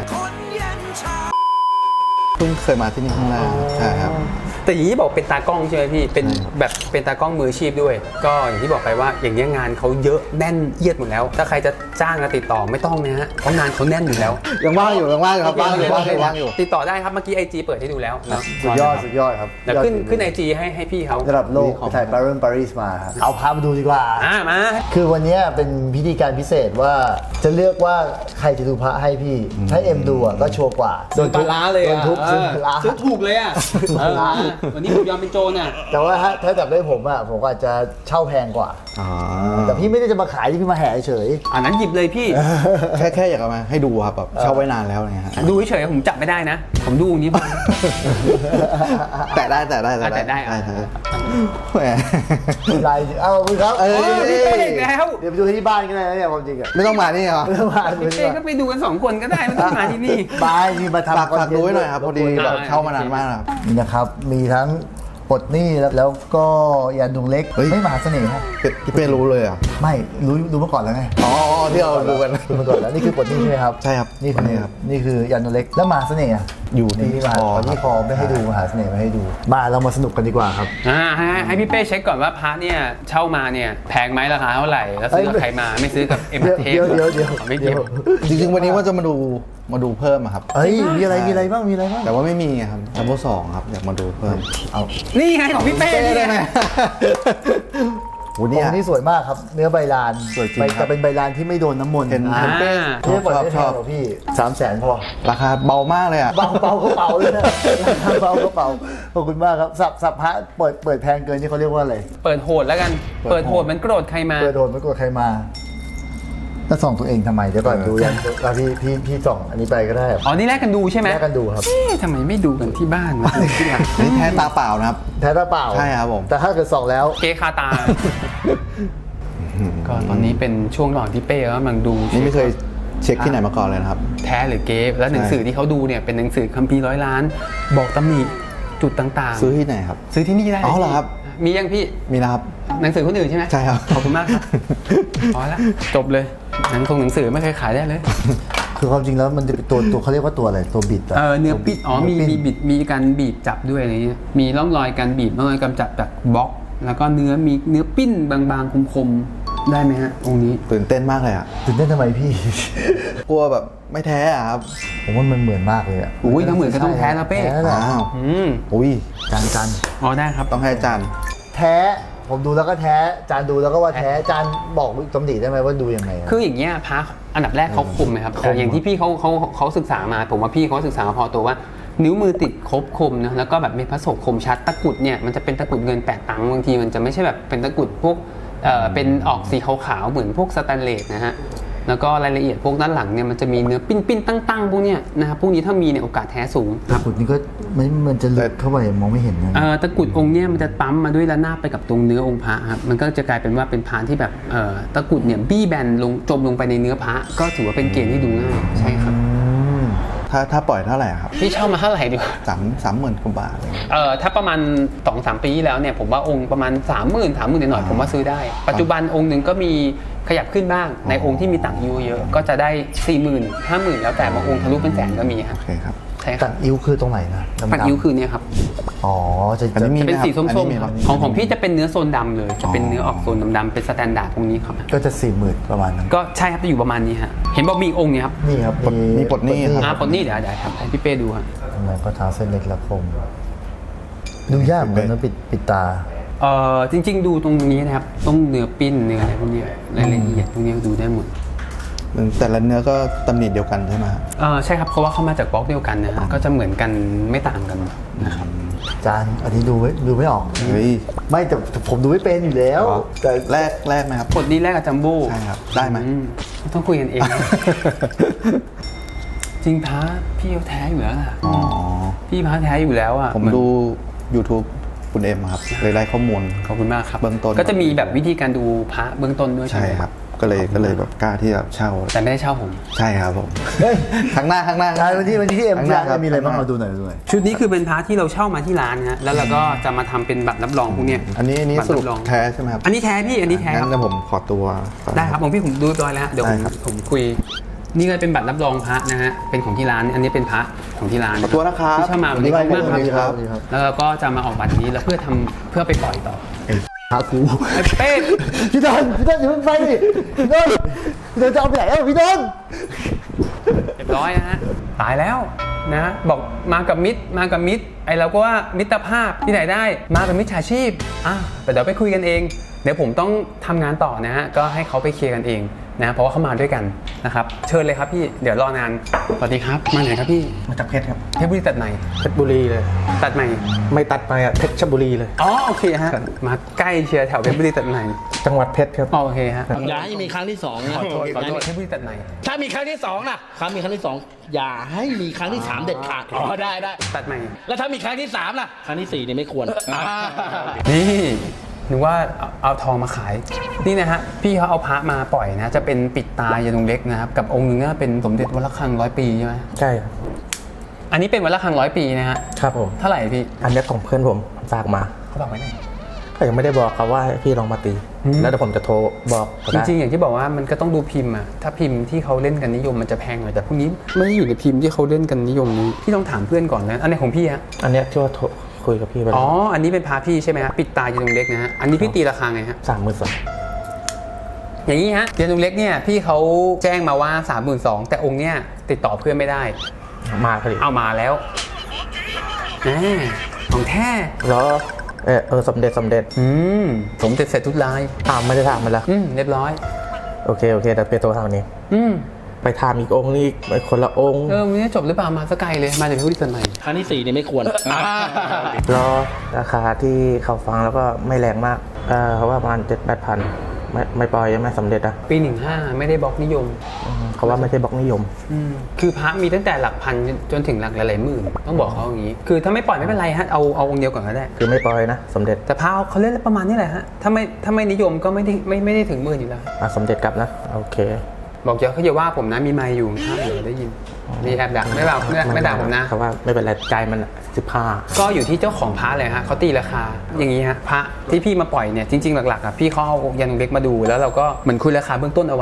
Speaker 6: เพิ่งเคยมาที่นี่ครั้งแรกใช่ครับ
Speaker 1: แต่อย่างที่บอกเป็นตากล้องใช่ไหมพี่เป็น
Speaker 6: ใช่ครับ
Speaker 1: แบบเป็นตากล้องมืออาชีพด้วย ก็อย่างที่บอกไปว่าอย่างนี้ยงานเขาเยอะแน่นเอียดหมดแล้ว ถ้าใครจะจ้างจะติดต่อไม่ต้องนะฮะเพราะงานเขาแน่นอยู่แล้ว
Speaker 6: ยังว่างอยู่ครับว่างอยู่
Speaker 1: ติดต่อได้ครับเมื่อกี้ IG เปิดให้ดูแล้วเนาะ
Speaker 2: สุดยอดครับ
Speaker 1: เดี๋ยวขึ้น IG ให้พี่เขา
Speaker 2: ระดับโลกไปถ่ายปารีสมาครับเอาพามาดูดีกว่า
Speaker 1: มา
Speaker 2: คือวันนี้เป็นพิธีการพิเศษว่าจะเลือกว่าใครจะดูพระให้พี่ ถ้าเอ็มดูอ่ะก็ชัวร์กว่า
Speaker 1: โดนปลาร้าเลย
Speaker 2: โดนทุบซื้อปลาร้า
Speaker 1: ซื้อถูกเลยอ่ะ
Speaker 2: ปลาร้า
Speaker 1: วันนี้ผมยอมเป็นโจรอ่ะ
Speaker 2: แต่ว่าถ้าจับได้ผมอ่ะผมก็อาจจะเช่าแพงกว่า
Speaker 6: อ๋อ
Speaker 2: แต่พี่ไม่ได้จะมาขายที่พี่มาแห่เฉย
Speaker 1: อันนั้นหยิบเลยพี่
Speaker 6: แค่อยากเอามาให้ดูครับแบบเช่าไว้นานแล้วอะไรเงี้ยฮะ
Speaker 1: ดูเฉยๆผมจับไม่ได้นะ ผมดูอย่างนี้พอ
Speaker 6: แต่ได้
Speaker 1: แต่ได้อ่ะ
Speaker 6: แหม
Speaker 2: ลายเอาคุณครับ
Speaker 1: พี่เป้อีกแล้ว
Speaker 2: เดี๋ยวไปดูที่บ้านก็ได้นะเนี่ยความจริงอ่ะ
Speaker 6: ไม่ต้องมานี่เหรอ
Speaker 2: ไม่ต้องมาดู
Speaker 1: พี่
Speaker 2: ดี
Speaker 1: เป้
Speaker 2: กว่า
Speaker 1: ก็ไปดูกัน2 คนก็ได้ไม่ต้องมาที่นี่
Speaker 2: บายมีมาทำ
Speaker 6: ฝากดูไว้หน่อยครับพอดีแบบเช่ามานานมากครับ
Speaker 2: นี่นะครับ มีทั้งปลดหนี้แล้วก็ยันดวงเล็ก
Speaker 6: เฮ้ย
Speaker 2: ไม่มหาเสน่ห์ฮะ
Speaker 6: พี่เป้รู้เลยอ่ะ
Speaker 2: ไม่รู้มาก่อนแล้วไง
Speaker 6: อ๋อที่เราดูกัน
Speaker 2: รู้มาก่อนแล้วนี่คือปลดหนี้ใช่ไหมครับ
Speaker 6: ใช่ครับ
Speaker 2: นี่คือ
Speaker 6: นี่ครับ
Speaker 2: นี่คือยันดวงเล็กแล้วมหาเสน่ห์อะ
Speaker 6: อยู่ที่
Speaker 2: นี่มหา
Speaker 6: คอ
Speaker 2: ตอนนี้คอไม่ให้ดูมหาเสน่ห์ไม่ให้ดูมาเรามาสนุกกันดีกว่าครับ
Speaker 1: ให้พี่เป้เช็คก่อนว่าพระเนี่ยเช่ามาเนี่ยแพงไหมราคาเท่าไหร่แล้วซื้อกับใครมาไม่ซื้อกับเอ็มเท
Speaker 2: เดี๋ยว
Speaker 1: ไม่เกี่ยว
Speaker 6: จริงๆวันนี้ว่าจะมาดูเพิ่มอะครับ
Speaker 2: เฮ้ยมีอะไรบ้างมีอะไรบ้าง
Speaker 6: แต่ว่าไม่มีอะครับดับเบิลสองครับอยากมาดูเพิ่ม
Speaker 2: เอา
Speaker 1: นี่ไงของพี่เป้
Speaker 6: ได้
Speaker 1: เนี่ย
Speaker 6: ไหม วัน
Speaker 2: อ
Speaker 6: นี้
Speaker 2: งค์นี้สวยมากครับ เนื้อใบลาน
Speaker 6: สวยจริง
Speaker 2: ใบ
Speaker 6: ครับ
Speaker 2: จะเป็นใบลานที่ไม่โดนน้ำมนต์
Speaker 6: เห็น
Speaker 2: เป้
Speaker 6: ชอบ
Speaker 2: ปล่อย
Speaker 6: ชอบ
Speaker 2: ได้
Speaker 6: ช
Speaker 2: แพ
Speaker 6: อง บ
Speaker 2: เหรอพี่300,000พอ
Speaker 6: ราคาเบามากเลยอ่ะ
Speaker 2: เบากระเป๋าเลยนะเบากระเป๋าขอบคุณมากครับสับพระเปิดแพงเกินที่เขาเรียกว่าอะไร
Speaker 1: เปิดโหดแล้วกันเปิดโหดมันโกรธใครมา
Speaker 2: เปิดโดนไม่กลัวใครมาแล้วส่องตัวเองทำไมเดี๋ยวก่อนดูยังพี่ส่องอันนี้ไปก็ได้
Speaker 1: อ๋อนี่แลกกันดูใช่ไหม
Speaker 2: แยกกันดูครับ
Speaker 1: เอ๊ะทำไมไม่ดูกันที่บ้านวะดูที่หลัง
Speaker 6: นี่แท้ตาเปล่านะครับ
Speaker 2: แท้ตาเปล่า
Speaker 6: ใช่ครับผม
Speaker 2: แต่ถ้าเกิดส่องแล้ว
Speaker 1: เกคาตา ก็ตอนนี้เป็นช่วงระหว่างที่เป้กำลังดู
Speaker 6: นี่ไม่เคยเช็คที่ไหนมาก่อนเลยนะครับ
Speaker 1: แท้หรือเก๊แล้วหนังสือที่เขาดูเนี่ยเป็นหนังสือคัมภีร์100 ล้าน บอกตำหนิจุดต่างๆ
Speaker 6: ซื้อที่ไหนครับ
Speaker 1: ซื้อที่นี่ได้ลย
Speaker 6: อ๋อเหรอครับ
Speaker 1: มียังพี่
Speaker 6: มีนะครับ
Speaker 1: หนังสือคนอื่นใช่ไหม
Speaker 6: ใช่ครับ
Speaker 1: ขอบคุณมากครับพอแล้วจบเลยหนังสือไม่เคยขายได้เลย
Speaker 2: คือความจริงแล้วมันจะเป็นตัวเขาเรียกว่าตัวอะไรตัวบิดะ
Speaker 1: เนื้อปิดอ๋อมี
Speaker 2: เนื้อปิ้น
Speaker 1: บิดมีการบีบจับด้วยอะไรเงี้ยมีร่องรอยการบีบร่องรอยการจับจากบล็อก แล้วก็เนื้อปิ้นบางๆคมๆได้ไหมฮะองค์นี้
Speaker 6: ตื่นเต้นมากเลยอ่ะ
Speaker 2: ตื่นเต้นทำไมพี่
Speaker 6: กลัวแบบไม่แท้อะครับ
Speaker 2: ผมว่ามันเหมือนมากเลยอ่ะ
Speaker 1: อุ้ยถ้าเหมือนก็ต้องแท้นะเป้
Speaker 2: แท้แหละ
Speaker 6: อ้าว
Speaker 1: ม
Speaker 6: อุ้ย
Speaker 2: จาน
Speaker 1: อ๋อได้ครับ
Speaker 6: ต้องให้อาจารย์
Speaker 2: แท้ผมดูแล้วก็แท้จานดูแล้วก็ว่าแท้จานบอกตำหนิได้ไหมว่าดูยังไงอะ
Speaker 1: คืออย่างเงี้ยพระอันดับแรกเขาคมไหมครับแต่อย่างที่พี่เขาศึกษามาผมว่าพี่เขาศึกษามาพอตัวว่า นิ้วมือติดครบคมนะแล้วก็แบบมีพระโสกคมชัดตะกรุดเนี่ยมันจะเป็นตะกรุดเงิน8 ตังค์บางทีมันจะไม่ใช่แบบเป็นตะกรุดพวกเป็นออกสีขาวๆเหมือนพวกสแตนเลสนะฮะแล้วก็รายละเอียดพวกด้านหลังเนี่ยมันจะมีเนื้อปิ้นๆตั้งๆพวกเนี้ยนะครับพวกนี้ถ้ามีเนี่ยโอกาสแท้สูง
Speaker 2: ตะกรุดนี่ก็มันจะลึกเข้าไปมองไม่เห็นนะ
Speaker 1: ตะกรุดองค์เนี่ยมันจะปั๊มมาด้วยระนาบไปกับตรงเนื้อองค์พระครับมันก็จะกลายเป็นว่าเป็นพานที่แบบตะกรุดเนี่ยบี้แบนลงจมลงไปในเนื้อพระก็ถือว่าเป็นเกณฑ์ที่ดูง่ายใช่ครับ
Speaker 6: ถ้าปล่อยเท่าไหร่ครับ
Speaker 1: พี่เช่ามาเท่าไหร่ดีกว่า
Speaker 6: 30,000 กว่าบาทอะไรเงี้ย
Speaker 1: ถ้าประมาณ 2-3 ปีที่แล้วเนี่ยผมว่าองค์ประมาณ 30,000 หน่อยๆผมว่าซื้อได้ ปัจจุบันองค์หนึ่งก็มีขยับขึ้นบ้างในองค์ที่มีต่างอายุเยอะก็จะได้ 40,000 50,000 แล้วแต่บางองค์ทะลุเป็นแสนก็มีครับ
Speaker 6: โอเคครับ
Speaker 1: ใช่ค
Speaker 2: ตั
Speaker 1: รับ
Speaker 2: ดอิ้วคือตรงไหนนะดำๆ
Speaker 1: ปัดอิ้วคือเนี่ยครับ
Speaker 2: อ๋อจะ
Speaker 6: อันนี้มี
Speaker 1: จะเป็นสีส้ม
Speaker 6: อันนี้มี
Speaker 1: ๆครับ
Speaker 6: ครับ
Speaker 1: ของพี่จะเป็นเนื้อโซนดำเลย จะเป็นเนื้อออกโซนดำๆเป็นสแตนดาร์ดตรงนี้ครับ
Speaker 2: ก็จะ40,000ประมาณนั้น
Speaker 1: ก็ใช่ครับจะอยู่ประมาณนี้ฮะเห็นบอกมีอีกองค์เนี่ยครับ
Speaker 2: นี่ครับ
Speaker 6: มีปลดหนี้ครับ
Speaker 1: คนนี้เดี๋ยวครับให้พี่เป้ดูฮะ
Speaker 2: ทำไมก็เท้าเส้นเล็กและคมดูยากเหมือนกันนะปิดตา
Speaker 1: จริง ๆ ดูตรงนี้นะครับต้องเนื้อปิ้นเนื้ออะไรพวกนี้รายละเอียดพวกนี้ดูได้หมด
Speaker 6: แต่ละเนื้อก็ตำหนิเดียวกันใช่ไหมครับ
Speaker 1: ใช่ครับเพราะว่าเขามาจากบล็อกเดียวกันนะฮะก็จะเหมือนกันไม่ต่างกันนะครับ
Speaker 2: จานอันนี้ดูไม่ออก
Speaker 6: เฮ้ย
Speaker 2: ไม่แต่ผมดูไม่เป็นอยู่แล้ว แต่
Speaker 6: แรกไหมครับ
Speaker 1: กดนี้แรกกับจัมโบ้
Speaker 6: ใช่ครับได้ไหม
Speaker 1: ต้องคุยกันเอง จริงพระพี่เขาแท้อยู่แล้วล่ะ
Speaker 6: อ๋อ
Speaker 1: พี่พระแท้อยู่แล้วอ่ะ
Speaker 6: ผม
Speaker 1: เหอน
Speaker 6: ดู YouTube คุณเอ็มครับเลยไล่ข้อมูล
Speaker 1: ขอบคุณมากครับ
Speaker 6: เบื้องต้น
Speaker 1: ก็จะมีแบบวิธีการดูพระเบื้องต้นด้วยใช่
Speaker 6: ใช่
Speaker 1: ไหม
Speaker 6: ครับ ก็เลยแบบกล้าที่จะเช่า
Speaker 1: แต่ไม่ได้เช่าผม
Speaker 6: ใช่ครับผม
Speaker 2: เฮ้ย
Speaker 6: ข้างหน้า
Speaker 2: จานวันที่เอ็ม
Speaker 6: ข้างหน้า
Speaker 2: จาน
Speaker 6: ครับ
Speaker 2: มีอะไรบ้างเอาดูหน่อยดูหน่อย
Speaker 1: ชุดนี้คือเป็นพระที่เราเช่ามาที่ร้านนะฮะแล้วเราก็จะมาทำเป็นบัตรรับรองพวกเนี้ย
Speaker 6: อันนี้
Speaker 1: บัต
Speaker 6: สรุป
Speaker 1: บอง
Speaker 6: แท้ใช่ไหมครับ
Speaker 1: อันนี้แท้พี่อันนี้แท้ค
Speaker 6: งั้
Speaker 1: รับ
Speaker 6: นเดี๋ยวผมขอตัวก่อน
Speaker 1: ได้ครับผมพี่ผมดูเรียบร้อยแล้วฮะเดี๋ยว
Speaker 6: ได้ครับ
Speaker 1: ผมคุยนี่ก็เป็นบัตรรับรองพระนะฮะเป็นของที่ร้านอันนี้เป็นพระของที่ร้าน
Speaker 6: ขอตัวนะครับ
Speaker 1: ที่เช่ามาวันนี้ขอบคุณมาก
Speaker 6: สวัสดี
Speaker 1: ครับ
Speaker 6: ครับ
Speaker 1: แล้วเราก็จะมาออกบัตรนี้แล้วเพื่อไปปล่อยต่อ
Speaker 2: หากู
Speaker 1: ไอ้เป้
Speaker 2: พี่ดอนอย่าเพิ่งไปดิพี่ดอนจะเอาไปไหนอ่ะพี่ดอน
Speaker 1: เรียบร้อยนะฮะตายแล้วนะบอกมากับมิตรไอเราก็ว่ามิตรภาพที่ไหนได้มากับมิจฉาชีพแต่เดี๋ยวไปคุยกันเองเดี๋ยวผมต้องทำงานต่อนะฮะก็ให้เขาไปเคลียร์กันเองนะเพราะว่าเขามาด้วยกันนะครับเชิญเลยครับพี่เดี๋ยวรอนานสวัสดีครับมาไหนครับพี่
Speaker 7: มาจากเพชรครับ
Speaker 1: เพชรบุรีตัดไหน
Speaker 7: เพชรบุรีเลย
Speaker 1: ตัดใหม่
Speaker 7: ไม่ตัดไปอ่ะเพชรบุรีเลย
Speaker 1: อ๋อโอเคฮะมาใกล้เชียร์แถวเพชรบุรีตัดใหม่
Speaker 7: จังหวัดเพชรครับ
Speaker 1: อ๋อโอเคฮะ
Speaker 8: อย่าให้มีครั้งที่สองนะ
Speaker 1: ขอโทษเพชรบุรีตัดใหม่
Speaker 8: ถ้ามีครั้งที่สองนะมีครั้งที่สองอย่าให้มีครั้งที่สามเด็ดขาดได้
Speaker 1: ตัดใหม่
Speaker 8: แล้วถ้ามีครั้งที่สามล่ะครั้งที่สี่เนี่ยไม่ควร
Speaker 1: นี่นึกว่าเอาทองมาขายนี่นะฮะพี่เขาเอาพระมาปล่อยนะจะเป็นปิดตายานุงเล็กนะครับกับองค์หนึงเป็นสมเด็จวัดระฆัง100 ปีใช่ไหม
Speaker 7: ใช่ครับ
Speaker 1: อันนี้เป็นวัดระฆัง100 ปีนะฮะ
Speaker 7: ครับผม
Speaker 1: เท่าไหร่พี่
Speaker 7: อันนี้ของเพื่อนผมฝากมา
Speaker 1: เขาบอกไว้ไหน
Speaker 7: ก็ยังไม่ได้บอกครับว่าให้พี่ลองมาตี แล้วเดี๋ยวผมจะโทรบอกก็
Speaker 1: จ
Speaker 7: ได้
Speaker 1: ริงๆอย่างที่บอกว่ามันก็ต้องดูพิมพ์อะถ้าพิมพ์ที่เขาเล่นกันนิยมมันจะแพงหน่อยแต่พวกนี้ไม่ได้อยู่ในพิมพ์ที่เขาเล่นกันนิยมนี้พี่ต้องถามเพื่อนก่อนนะอันไหนของพี่ฮะ
Speaker 7: อันเนี้ยที่ว่าโทรคุยกับพี่ไป
Speaker 1: อ๋ออันนี้เป็นพระพี่ใช่ไหมฮะปิดตายานุงเล็กนะฮะอันนี้พี่ตีราคาไงฮะ
Speaker 7: 32,000
Speaker 1: อย่างนี้ฮะยานุงเล็กเนี่ยพี่เขาแจ้งมาว่า 32,000แต่องค์เนี่ยติดต่อเพื่อนไม่ได้
Speaker 7: มาพอดี
Speaker 1: เอามาแล้วแหมของแท้
Speaker 7: แล้วสมเด็จ
Speaker 1: สมเด็จเสร็จทุกลาย
Speaker 7: ไม่ได้ถามมันแล้ว
Speaker 1: เรียบร้อย
Speaker 7: โอเคเดี๋ยวไปโทรทางนี้ ไปถามอีกองค์นึงอีกไปคนละองค์
Speaker 1: วันนี้จบหรือเปล่ามาสกไกลเลยมาจากพิพิธภัณฑ์ไหน
Speaker 8: ครั้งที่สี่เนี่ยไม่ควร
Speaker 7: รอราคาที่เขาฟังแล้วก็ไม่แรงมากเขาว่าประมาณ 7-8 พันไม่ปล่อยยังไม่สำเร็จอ่ะ
Speaker 1: ปี 15ไม่ได้บล็อกนิยม
Speaker 7: เขาว่าไม่ใช่บล็อกนิยม
Speaker 1: คือพระมีตั้งแต่หลักพันจนถึงหลักหลายๆหมื่นต้องบอกเขาอย่างนี้ คือถ้าไม่ปล่อยไม่เป็นไรฮะเอาองค์เดียวก่อนก็ได้
Speaker 7: คือไม่ปล่อยนะสมเด็จ
Speaker 1: แต่พระเขาเล่นประมาณนี้แหละฮะถ้าไม่นิยมก็ไม่ได้ถึงหมื่นอยู่แล้ว
Speaker 7: สมเด็จกลับนะโอเค
Speaker 1: บอกเขาอย่าว่าผมนะมีไมค์อยู่ข้างเดี๋ยวได้ยินมีแอบดักไม่ด่าผมนะ
Speaker 7: เขาว่าไม่เป็นไรใจมัน15
Speaker 1: ก็อยู่ที่เจ้าของพระเลยฮะเขาตีราคาอย่างนี้ฮะพระที่พี่มาปล่อยเนี่ยจริงๆหลักๆอ่ะพี่เขาเอายานุงเล็กมาดูแล้วเราก็เหมือนคุยราคาเบื้องต้นเอาไว้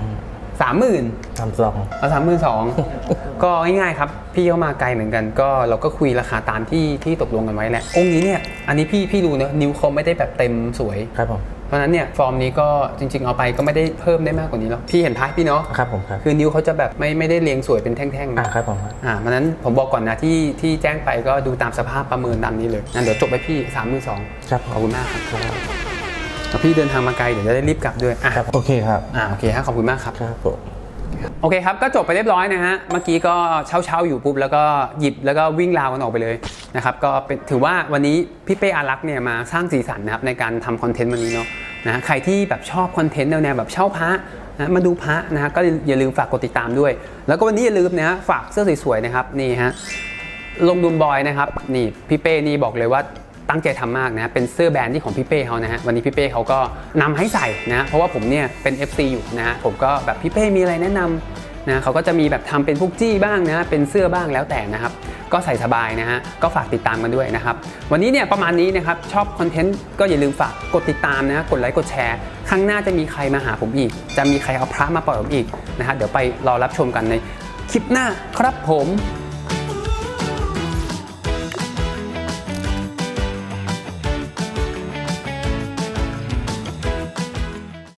Speaker 1: 30,000
Speaker 7: 32
Speaker 1: เอา32,000 ก็ง่ายๆครับพี่เขามาไกลเหมือนกันก็เราก็คุยราคาตามที่ตกลงกันไว้แหละองค์นี้เนี่ยอันนี้พี่รู้นะนิ้วเขาไม่ได้แบบเต็มสวย
Speaker 7: ครับผม
Speaker 1: เพราะฉะนั้นเนี่ยฟอร์มนี้ก็จริงๆเอาไปก็ไม่ได้เพิ่มได้มากกว่านี้หรอกพี่เห็นพระพี่เนาะ
Speaker 7: ครับผมครับ
Speaker 1: คือนิ้วเขาจะแบบไม่ได้เรียงสวยเป็นแท่งๆนะ
Speaker 7: ครับผมครับ
Speaker 1: เพราะฉะนั้นผมบอกก่อนนะที่แจ้งไปก็ดูตามสภาพประเมินตามนี้เลยงั้นเดี๋ยวจบไปพี่ 32,000
Speaker 7: ครับ
Speaker 1: ขอบคุณมากครับแล้วพี่เดินทางมาไกลเดี๋ยวจะได้รีบกลับด้วยอ่ะ
Speaker 6: โอเคครับ
Speaker 1: โอเคฮะขอบคุณมากครับ
Speaker 7: ครับผม
Speaker 1: โอเคครับก็จบไปเรียบร้อยนะฮะเมื่อกี้ก็เช่าอยู่ปุ๊บแล้วก็หยิบแล้วก็วิ่งราวกันออกไปเลยนะครับก็เป็นถือว่าวันนี้พี่เป้อารักษ์เนี่ยมาสร้างสีสันนะครับในการทำคอนเทนต์วันนี้เนาะนะใครที่แบบชอบคอนเทนต์แนวแบบเช่าพระนะมาดูพระนะฮะก็อย่าลืมฝากกดติดตามด้วยแล้วก็วันนี้อย่าลืมนะฮะฝากเสื้อสวยๆนะครับนี่ฮะลงดุมบอยนะครับนี่พี่เป้นี่บอกเลยว่าตั้งใจทำมากนะเป็นเสื้อแบรนด์ที่ของพี่เป้เขานะฮะวันนี้พี่เป้เขาก็นำให้ใส่นะเพราะว่าผมเนี่ยเป็น FC อยู่นะฮะผมก็แบบพี่เป้มีอะไรแนะนำนะเขาก็จะมีแบบทำเป็นพวกจี้บ้างนะเป็นเสื้อบ้างแล้วแต่นะครับก็ใส่สบายนะฮะก็ฝากติดตามกันด้วยนะครับวันนี้เนี่ยประมาณนี้นะครับชอบคอนเทนต์ก็อย่าลืมฝากกดติดตามนะกดไลค์กดแชร์ครั้งหน้าจะมีใครมาหาผมอีกจะมีใครเอาพระมาปล่อยผมอีกนะฮะเดี๋ยวไปรอรับชมกันในคลิปหน้าครับผม